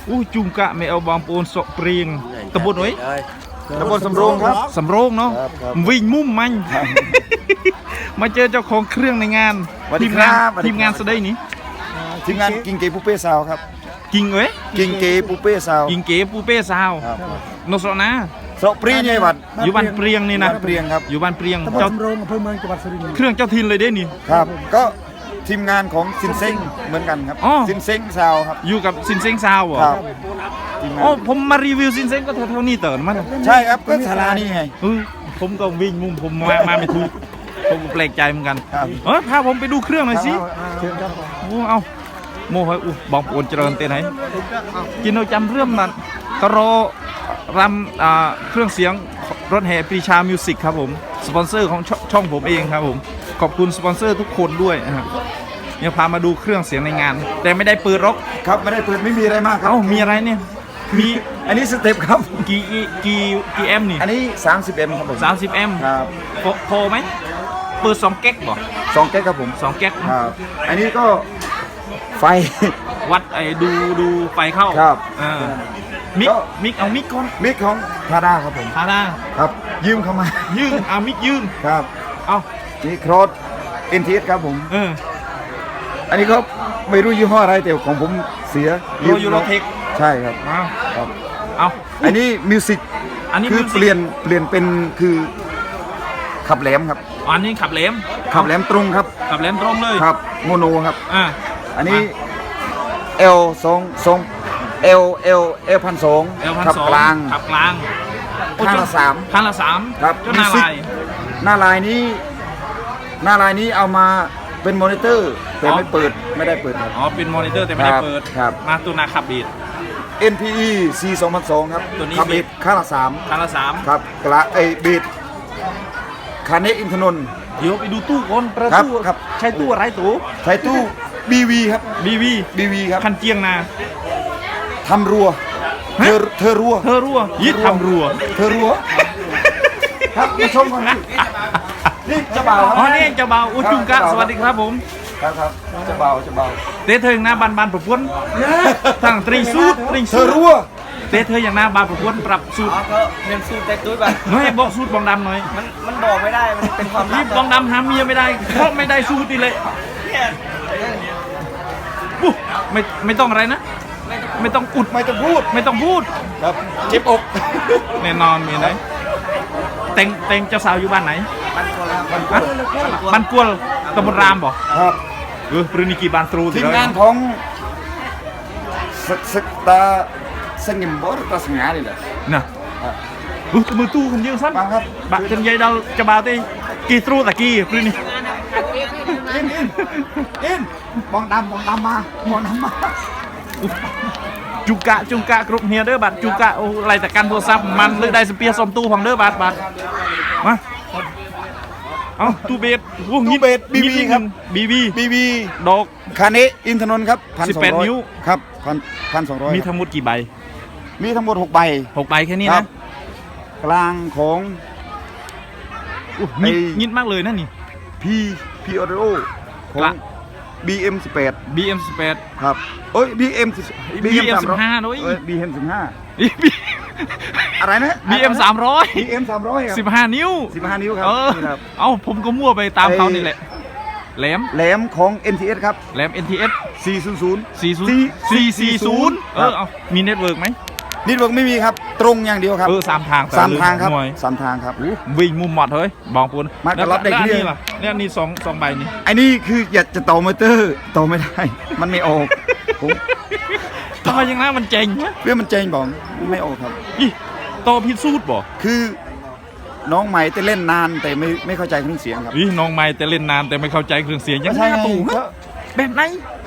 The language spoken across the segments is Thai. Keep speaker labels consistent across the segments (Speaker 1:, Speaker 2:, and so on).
Speaker 1: อู้จุงกะไม่เอาบางปูนสกเปรียงตะบนไว้
Speaker 2: ตำบลสำโรงครับ
Speaker 1: สำโรงเนาะ
Speaker 2: ครับ
Speaker 1: วิ่งมุ่มมันมาเจอเจ้าของเครื่องในงาน
Speaker 2: สวัสดี
Speaker 1: ทีม
Speaker 2: ครั
Speaker 1: งาน
Speaker 2: บ
Speaker 1: ทีมงานสะได้นี้
Speaker 2: ทีมงานกิงเกปูเป้ซาวครับ
Speaker 1: กิงเว้ย
Speaker 2: กิงเกปูเป้ซาว
Speaker 1: กิงเก๋ปูเป้ซาว
Speaker 2: ครับ
Speaker 1: โนสนะ
Speaker 2: สระปรีไงวัด
Speaker 1: อยู่บ้านเปรียงนี่นะ
Speaker 2: บ้านเปรียงครับ
Speaker 1: อยู่บ้านเปรียง
Speaker 3: ตำบล
Speaker 1: เจ้า
Speaker 3: สำโรงอำเภอเมืองจังหวัดสุรินทร์
Speaker 1: เครื่องเจ้าทินเลยเด้นี่
Speaker 2: ครับ ก็ทีมงานของซินเซ้งเหมือนกันครับ
Speaker 1: อ๋อ
Speaker 2: ซินเซ้งซาวครับ
Speaker 1: อยู่กับซินเซ็งซาวเหรอ
Speaker 2: ครับทีมงา
Speaker 1: อ๋อน ผมมารีวิวซินเซ็งก็เท่านี้เติร์นมัน
Speaker 2: ใช่ครับก็ศาลานี่ไง
Speaker 1: ผมก็วิ่งมุ่มผมมาไม่ถูกผมก็แปลกใจเหมือนกัน
Speaker 2: ครับ
Speaker 1: พาผมไปดูเครื่องหน่อยสิ
Speaker 3: เชิญครับ
Speaker 1: โอ้เอาโม่เฮ้ยบองปวนเจริญเต้นไหนกินเราจำเรื่องนั้นตรอรำเครื่องเสียงรถแห่ปรีชามิวสิกครับผมสปอนเซอร์ของช่องผมเองครับผมขอบคุณสปอนเซอร์ทุกคนด้วยนะครับเนี่ยพามาดูเครื่องเสียงในงาน แต่ไม่ได้เปิดร็อก
Speaker 2: ครับไม่ได้เปิดไม่มีอะไรมากครับ
Speaker 1: มีอะไรเนี่ยมี
Speaker 2: อันนี้สเต็ปครับ
Speaker 1: กี่แอมป์นี่
Speaker 2: อันนี้30M ครับผม
Speaker 1: 30 แอมป์
Speaker 2: ครับ
Speaker 1: พอไหมเปิด2 แก๊กบ่
Speaker 2: 2แก๊กครับผม
Speaker 1: 2 แก๊ก
Speaker 2: ครับอันนี้ก็ไฟ
Speaker 1: วัดดูไฟเข้า
Speaker 2: ครับ
Speaker 1: อ่ามิก
Speaker 2: ก็
Speaker 1: เอามิกก่อน
Speaker 2: มิกของทาด้าครับผม
Speaker 1: ทาดา
Speaker 2: ครับยืมเข้ามา
Speaker 1: ยืนเอามิกยืน
Speaker 2: ครับ
Speaker 1: เอา
Speaker 2: นี่โครส NTS ครับผม
Speaker 1: เออ
Speaker 2: อันนี้ก็ไม่รู้ยี่ห้ออะไรแต่ของผมเสีย
Speaker 1: ยูโรเทค
Speaker 2: ใช่ครับ
Speaker 1: เอา
Speaker 2: ครับ
Speaker 1: เอา
Speaker 2: อันนี้มิวสิก
Speaker 1: อันนี้
Speaker 2: คือ
Speaker 1: music
Speaker 2: เปลี่ยนเป็นคือขับแหลมครับ
Speaker 1: อันนี้ขับแหลม
Speaker 2: ขับแหลมตรงครับ
Speaker 1: ขับแหลมตรงเลย
Speaker 2: ครับโมโนครับ
Speaker 1: อ่า
Speaker 2: อันนี้ L 2 L 1,200
Speaker 1: L
Speaker 2: ขับกลาง
Speaker 1: ขับกลาง
Speaker 2: ข้างละสาม
Speaker 1: ข้างละสาม
Speaker 2: ครับ
Speaker 1: เจ้าหน้า
Speaker 2: music
Speaker 1: ลาย
Speaker 2: หน้าลายนี้เอามาเป็นมอนิเตอร์แต่ไม่เปิดไม่ได้เปิดครับ
Speaker 1: อ๋อเป็นมอนิเตอร์แต่ไม่ได้
Speaker 2: ครับ
Speaker 1: เปิด
Speaker 2: ครับ
Speaker 1: มาตัวนาขับบีด
Speaker 2: NPE C 2002ครับ
Speaker 1: ตัวนี้
Speaker 2: ขับ
Speaker 1: บี
Speaker 2: บี
Speaker 1: ท
Speaker 2: ดข้างละสาม
Speaker 1: ข้างละสาม
Speaker 2: ครับกระบีดคาเนอินทนนท์
Speaker 1: เดี๋ยวไปดูตู้ก่อนประ
Speaker 2: ครับ
Speaker 1: ตู
Speaker 2: ครับ
Speaker 1: ใช้ตู้อะไรตู้
Speaker 2: ใช้ตู้ BV ครับ
Speaker 1: BV
Speaker 2: BV ครับ
Speaker 1: คันเจียงนา
Speaker 2: ทำรัว
Speaker 1: ฮะ
Speaker 2: เธอรัว
Speaker 1: เธอรั่วยิดทำรัว
Speaker 2: เธอรัวครับมาชมกันนี่นี่เจะเบาครับ
Speaker 1: อ๋อนี่เจ้าบ่าวอุจุงกะ
Speaker 2: ครับ
Speaker 1: สวัสดีครับผม
Speaker 2: ครับเจะเบา
Speaker 1: เตะเธออย่างหน้าบานประพวนทั้งตรีสูตร
Speaker 2: เธอรัว
Speaker 1: เตะเธออย่างหน้าบานประพวนปรับสูตร
Speaker 4: ก็เรียนสูตรแต่ตุ้ยไป
Speaker 1: น้อยบอกสูตรบองดำหน่อย
Speaker 4: มันบอกไม่ได้ มันเป็นความลั
Speaker 1: รี
Speaker 4: บบ
Speaker 1: บองดำหาเมียไม่ได้เพราะไม่ได้สูตรอีเลยปุ๊บไม่ต้องอะไรนะ ไม่ต้องอุด
Speaker 2: ไม่ต้องพูด
Speaker 1: ไม่ต้องพูด
Speaker 2: ครับเจ็บอก
Speaker 1: แน่นอนมีไหนแต่งเจ้าสาวอยู่บ้านไหน
Speaker 4: มันคนละ
Speaker 1: ฮะบ้านกวลตำบลรามบอก
Speaker 2: ครับ
Speaker 1: ปรินิกีบานตรู
Speaker 2: ทีมงานของสตาสงิมบอสตาสงานี่แหละ
Speaker 1: น่ะมือตู้คนเดียวสั้น
Speaker 2: มาครับ
Speaker 1: บักจนใหญ่ดาวจะบ่าวตีกีตรูตะกี้ปรินิ
Speaker 2: อินมองดำมา
Speaker 1: จุกะกรุ๊ปเฮียเด้อบัดจุกะโอ้ไรแต่กันโทรศัพท์มันเลือกได้สเปียร์ซอมตู้ของเด้อบัดมาเอาตู้เบสโอ้งิด
Speaker 2: BB ครับ
Speaker 1: BB ดอก
Speaker 2: คาเนอินทนนท์ครับ
Speaker 1: 18 นิ้ว
Speaker 2: ครับ1,200
Speaker 1: มีทั้งหมดกี่ใบ
Speaker 2: มีทั้งหมด6 ใบ
Speaker 1: 6 ใบแค่นี้
Speaker 2: ครั
Speaker 1: นะ
Speaker 2: บ กลางของ
Speaker 1: งิดมากเลยนะนี่
Speaker 2: P Audio ขอก
Speaker 1: ลาง
Speaker 2: ง BM 18
Speaker 1: BM
Speaker 2: ครับเอ้ย BM
Speaker 1: 15ด้วย
Speaker 2: BM 15อะไรนะ
Speaker 1: BM 300
Speaker 2: BM 300ครับ
Speaker 1: 15 นิ้ว
Speaker 2: 15 นิ้วครับนี่ครับ
Speaker 1: เอ้าผมก็มั่วไปตามเขานี่แหละแหลม
Speaker 2: แหลมของ NTS ครับ
Speaker 1: แหลม NTS
Speaker 2: 400
Speaker 1: 440เอามีเน็ตเวิร์กไหม
Speaker 2: นิดเวิร์กไม่มีครับ ตรงอย่างเดียวครับ
Speaker 1: สามทาง
Speaker 2: สามทางครับ
Speaker 1: หน่วย
Speaker 2: 3 ทางครับ
Speaker 1: วิ่งมุมหมดเฮ้ยบองปูน
Speaker 2: มาแต่รับได้
Speaker 1: แล้ว
Speaker 2: เคลียร์
Speaker 1: นี่ล่ะเนี่ยนี่สองใบนี่
Speaker 2: ไอ้นี่คืออยากจะต่อมอเตอร์ต่อไม่ได้ มันไม่ออกผม
Speaker 1: ทำไมยังนะมันเจ๋งนะ
Speaker 2: เรื่องมันเจงบอกไม่ออกครับ
Speaker 1: อีต่อพิสูจน์บ่
Speaker 2: คือน้องใหม่แต่เล่นนานแต่ไม่เข้าใจเครื่องเสียงครับ
Speaker 1: อีน้องไม่แต่เล่นนานแต่ไม่เข้าใจเครื่องเสียงยัง
Speaker 2: ใช่
Speaker 1: ไง
Speaker 2: ไง
Speaker 1: ตู่
Speaker 2: ก็
Speaker 1: ฮะแบบไหน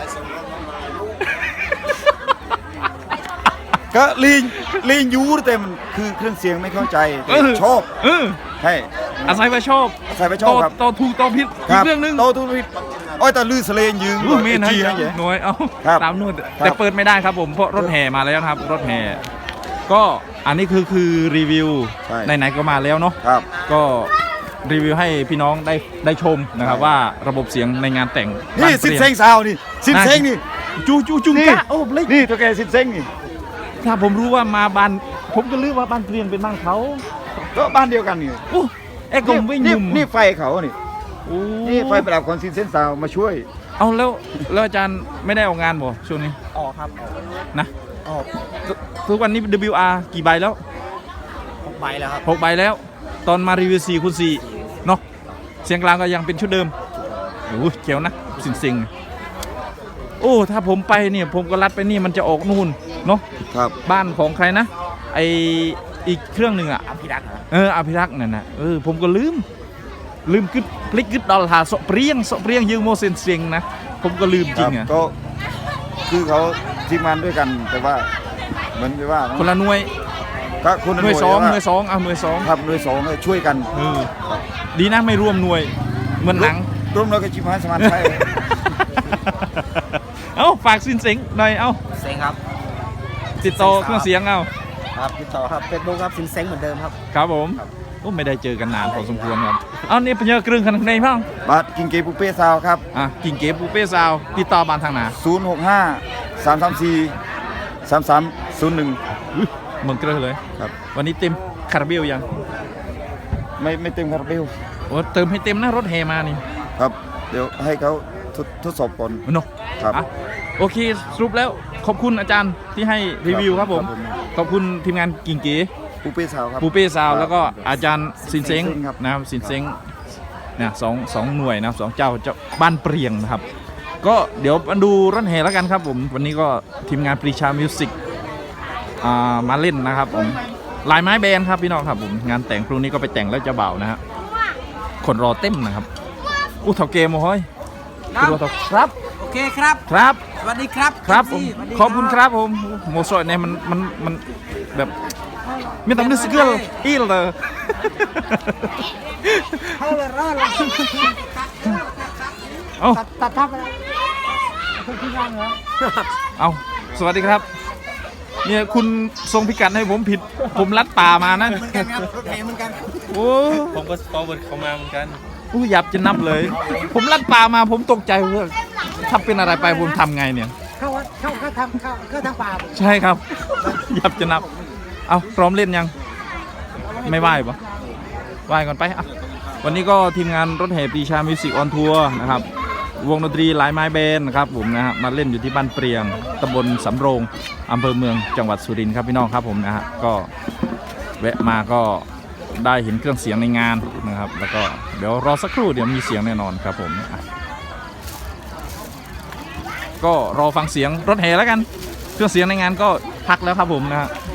Speaker 2: ก็ลีนยูแต่มันคือเครื่องเสียงไม่เข้าใจแต่ชอบ ใช่
Speaker 1: อาศัยว่าชอบ
Speaker 2: ใส่ไปชอบครับ
Speaker 1: ต่อถูกต่อผิดอีกเรื่องหนึง
Speaker 2: โตทุกทีอ้อยตาลื่นสเลนยืง
Speaker 1: เมนให้
Speaker 2: จีนะเจ๊
Speaker 1: หน่วยเอา
Speaker 2: ครับ
Speaker 1: ตามนู่น
Speaker 2: ครั
Speaker 1: แต่
Speaker 2: บ
Speaker 1: เปิดไม่ได้ครับผมเพราะรถแห่มาแล้วครับ รถแห่ก็อันนี้คือรีวิว
Speaker 2: ใช่
Speaker 1: ไหนๆก็มาแล้วเนาะ
Speaker 2: ครับ
Speaker 1: ก็รีวิวให้พี่น้องได้ชมนะครับ
Speaker 2: ใช่
Speaker 1: ว่าระบบเสียงในงานแต่ง
Speaker 2: นี่
Speaker 1: บ้า
Speaker 2: สิน
Speaker 1: ปลี่ย
Speaker 2: เซ้งซาวนี่สินเซ้งนี่
Speaker 1: จุง
Speaker 2: นี่
Speaker 1: กะโอ้เล็ก
Speaker 2: นี่ตัวแกสินเซ้งนี่
Speaker 1: ถ้าผมรู้ว่ามาบ้านผมก็ลืมว่าบ้านเปลี่ยนเป็นบ้านเขา
Speaker 2: ก็บ้านเดียวกันนี่
Speaker 1: โอ้ไอ้กงวิ่ง
Speaker 2: นี่
Speaker 1: ยุ่ม
Speaker 2: นี่ไฟเขานี่
Speaker 1: โอ้
Speaker 2: นี่ไฟประดับคอนซินเซนซาวมาช่วย
Speaker 1: เอาแล้วอาจารย์ไม่ได้ออกงานบ่ช่วงนี้
Speaker 4: ออกครับออก
Speaker 1: นะ
Speaker 4: ออก
Speaker 1: ทุกวันนี้ WR กี่ใบแล้ว
Speaker 4: 6 ใบแล้วครับ
Speaker 1: 6 ใบแล้ว ตอนมารีวิว4 คูณ 4เนาะเสียงกลางก็ยังเป็นชุดเดิมโอ้เจ๋วนะสิงๆโอ้ถ้าผมไปเนี่ยผมก็ลัดไปนี่มันจะออกนู่นเนาะ
Speaker 2: ครับ
Speaker 1: บ้านของใครนะไออีกเครื่องหนึ่งอ่ะ
Speaker 4: อภิรักษ์เหรอ
Speaker 1: อภิรักษ์นั่นนะผมก็ลืมกึดพลิกกึดดอลหาโซเปรียงยืมโมเซนเสียงนะผมก็ลืมจริงอ่ะ
Speaker 2: ก็คือเขาทีมงานด้วยกันแต่ว่าเหมือนกับว่า
Speaker 1: คนละหน่วย
Speaker 2: ก็คน
Speaker 1: หน่วยสอง
Speaker 2: แต่า
Speaker 1: หน่วยสองเอาหน่วยสอง
Speaker 2: ครับหน่วยสองช่วยกัน
Speaker 1: ดีนะไม่รวมหน่วยเหมือนหนัง
Speaker 2: ร่วมเราก็ชิมหายสมานไทย
Speaker 1: เอ้าฝากสินเสียงหน่อยเอ้า
Speaker 4: เซ็งครับ
Speaker 1: ติดต่อเครื่องเสียงเอา
Speaker 4: ครับติดต่อครับเป็นโบครับสินเซ็งเหมือนเดิมครับ
Speaker 1: ครับผมโอ้ไม่ได้เจอกันนานพอสมควรครับเอานี่เป็นเยอะกรึ่งขนาดไหนบ้าง
Speaker 2: บาทกิงเกปุเป้ซาวครับ
Speaker 1: กิ่งเก๋ปูเป้ซาวติดต่อบานทางไหน
Speaker 2: 065 334 3301
Speaker 1: เมืองเกลือเลย
Speaker 2: ครับ
Speaker 1: วันนี้เต็มคาราเบลยัง
Speaker 2: ไม่เต็มคาราเบล
Speaker 1: โอ้เติมให้เต็มนะรถแห่มานี่
Speaker 2: ครับ เดี๋ยวให้เขาทดสอบก่อน
Speaker 1: เนาะ
Speaker 2: ครับ
Speaker 1: อ่ะโอเคสรุปแล้วขอบคุณอาจารย์ที่ให้รีวิวครับผม
Speaker 2: ครับผม
Speaker 1: ขอบคุณทีมงานกิ่งเก๋
Speaker 2: ปุเป้ซาวครับ
Speaker 1: ปูเป้ซาวแล้วก็อาจารย์สินเซ้ง
Speaker 2: สินเซ้งครับ
Speaker 1: นะครับสินเซ้งเนี่ยสองหน่วยนะสองเจ้าบ้านเปรียงนะครับ ก็เดี๋ยวมาดูรถแห่แล้วกันครับผมวันนี้ก็ทีมงานปรีชามิวสิกมาเล่นนะครับผมลายไม้แบนครับพี่น้องครับผมงานแต่งพรุ่งนี้ก็ไปแต่งแล้วเจะเบานะฮะคนรอเต็มนะครับอู้เถ่าเกมโอ้ยคุณรอเถ่าครับ
Speaker 4: โอเคครับ
Speaker 1: ครับ
Speaker 4: สวัสดีครับ
Speaker 1: ครับผม
Speaker 4: สวัสดี
Speaker 1: ขอบคุณครับผมโมโซอยเนี่ยมันแบบไม่ต้องนึกสกิลอีเลย
Speaker 3: เข้าเลยรอดเลย
Speaker 1: เอา
Speaker 3: ตัดทับไปแล้วคนที่งานเหรอ
Speaker 1: เอาสวัสดีครับเนี่ยคุณทรงพิกัดให้ผมผิดผมลัดป่ามานะ
Speaker 4: เหมือนกันครับรถแห่เหมือนกัน
Speaker 1: โอ้
Speaker 5: ผมก็ฟอร์เวิร์ดเข้ามาเหมือนกัน
Speaker 1: อู้หยับจะนับเลย ผมลัดป่ามาผมตกใจว่าถ้าเป็นอะไรไปผมทำไงเนี่ย
Speaker 3: เข้าทางป่า
Speaker 1: ใช่ครับ หยับจะนับ เอาพร้อมเล่นยัง ไม่ไหวปะไหวก่อนไปอ่ะวันนี้ก็ทีมงานรถแห่ปรีชามิวสิกออนทัวร์นะครับ วงดนตรีหลายไม้แบนนะครับผมนะฮะมาเล่นอยู่ที่บ้านเปรียงตำบลสำโรงอำเภอเมืองจังหวัดสุรินทร์ครับพี่น้องครับผมนะฮะก็แวะมาก็ได้เห็นเครื่องเสียงในงานนะครับ แล้วก็เดี๋ยวรอสักครู่เดี๋ยวมีเสียงแน่นอนครับผมอ่ะก็รอฟังเสียงรถแห่แล้วกัน เครื่องเสียงในงานก็พักแล้วครับผมนะฮะ